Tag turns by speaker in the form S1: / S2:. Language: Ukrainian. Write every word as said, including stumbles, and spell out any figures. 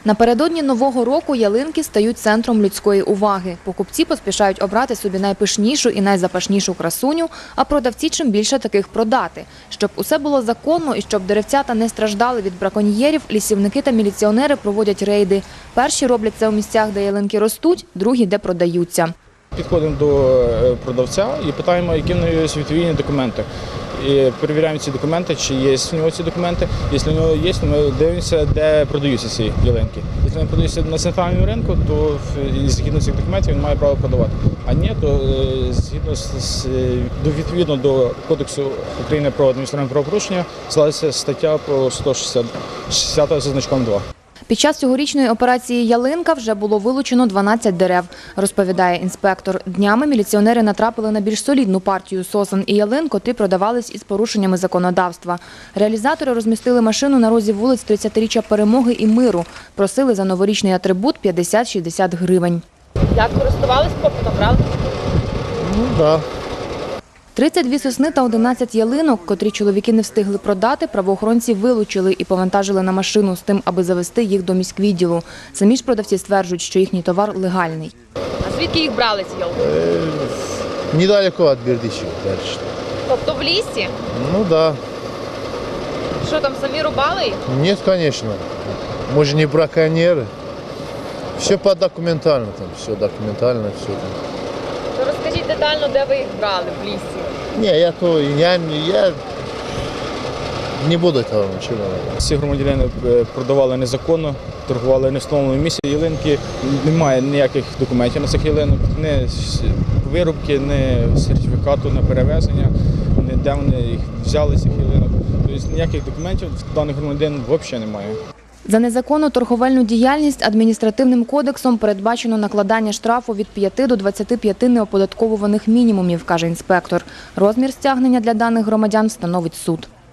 S1: Напередодні Нового року ялинки стають центром людської уваги. Покупці поспішають обрати собі найпишнішу і найзапашнішу красуню, а продавці чим більше таких продати. Щоб усе було законно і щоб деревцята не страждали від браконьєрів, лісівники та міліціонери проводять рейди. Перші роблять це у місцях, де ялинки ростуть, другі – де продаються.
S2: Підходимо до продавця і питаємо, які в нього є відповідні документи. І перевіряємо ці документи, чи є в нього ці документи. Якщо в нього є, то ми дивимося, де продаються ці ялинки. Якщо вони продаються на центральному ринку, то згідно цих документів він має право продавати. А ні, то згідно з, відповідно до Кодексу України про адміністративне правопорушення складається стаття про сто шістдесят за значком два.
S1: Під час цьогорічної операції «Ялинка» вже було вилучено дванадцять дерев, розповідає інспектор. Днями міліціонери натрапили на більш солідну партію сосен і ялин, котрі продавались із порушеннями законодавства. Реалізатори розмістили машину на розі вулиць тридцятиріччя Перемоги і Миру. Просили за новорічний атрибут п'ятдесят-шістдесят гривень.
S3: Як користувались попитом, правда?
S4: Ну, так.
S1: тридцять дві сосни та одинадцять ялинок, котрі чоловіки не встигли продати, правоохоронці вилучили і повантажили на машину з тим, аби завести їх до міськвідділу. Самі ж продавці стверджують, що їхній товар легальний.
S3: А звідки їх брали ці ялинки?
S4: Е, недалеко від Бердичева далі.
S3: Тобто в лісі?
S4: Ну, так.
S3: Що там, самі рубали їх?
S4: Ні, звісно. Ми ж не браконьєри. Все по документально там, все документально, все там.
S3: То розкажіть детально, де ви їх брали в лісі?
S4: Ні, я то, я, я не буду того нічого.
S2: Всі громадяни продавали незаконно, торгували не в встановленому місці. Ялинки, немає ніяких документів на цих ялинок, ні вирубки, ні сертифікату на перевезення, ні де вони їх взяли, цих ялинок. Тобто ніяких документів даних громадян взагалі немає.
S1: За незаконну торговельну діяльність адміністративним кодексом передбачено накладання штрафу від п'яти до двадцяти п'яти неоподатковуваних мінімумів, каже інспектор. Розмір стягнення для даних громадян встановить суд.